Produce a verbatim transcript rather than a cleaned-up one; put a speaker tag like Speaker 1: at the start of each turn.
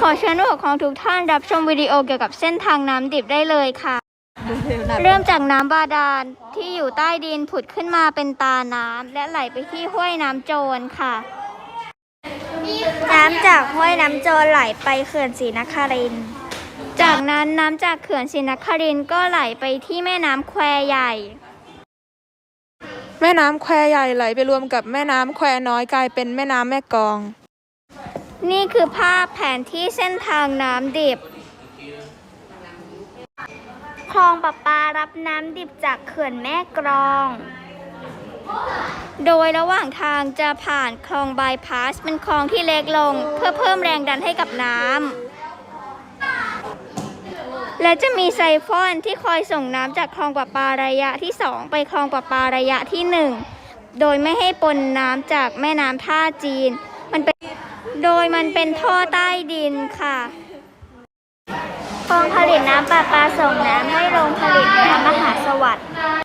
Speaker 1: ขอเชิญผู้ปกครองทุกท่านรับชมวิดีโอเกี่ยวกับเส้นทางน้ำดิบได้เลยค่ะ เริ่มจากน้ำบาดาลที่อยู่ใต้ดินผุดขึ้นมาเป็นตาน้ำและไหลไปที่ห้วยน้ำโจรค่ะ
Speaker 2: น้ำจากห้วยน้ำโจรไหลไปเขื่อนศรีนครินทร์
Speaker 1: จากนั้นน้ำจากเขื่อนศรีนครินทร์ก็ไหลไปที่แม่น้ำแควใหญ่
Speaker 3: แม่น้ำแควใหญ่ไหลไปรวมกับแม่น้ำแควน้อยกลายเป็นแม่น้ำแม่กลอง
Speaker 1: นี่คือภาพแผนที่เส้นทางน้ำดิบ
Speaker 2: คลองประปารับน้ำดิบจากเขื่อนแม่กลอง
Speaker 1: โดยระหว่างทางจะผ่านคลองบายพาสเป็นคลองที่เล็กลงเพื่อเพิ่มแรงดันให้กับน้ำและจะมีไซฟอนที่คอยส่งน้ำจากคลองประปาระยะที่สองไปคลองประปาระยะที่หนึ่งโดยไม่ให้ปนน้ำจากแม่น้ำท่าจีนมันเป็นโดยมันเป็นท่อใต้ดินค่ะ
Speaker 2: คลองผลิตน้ำประปาส่งน้ำให้โรงผลิตน้ำมหาสวัสดิ์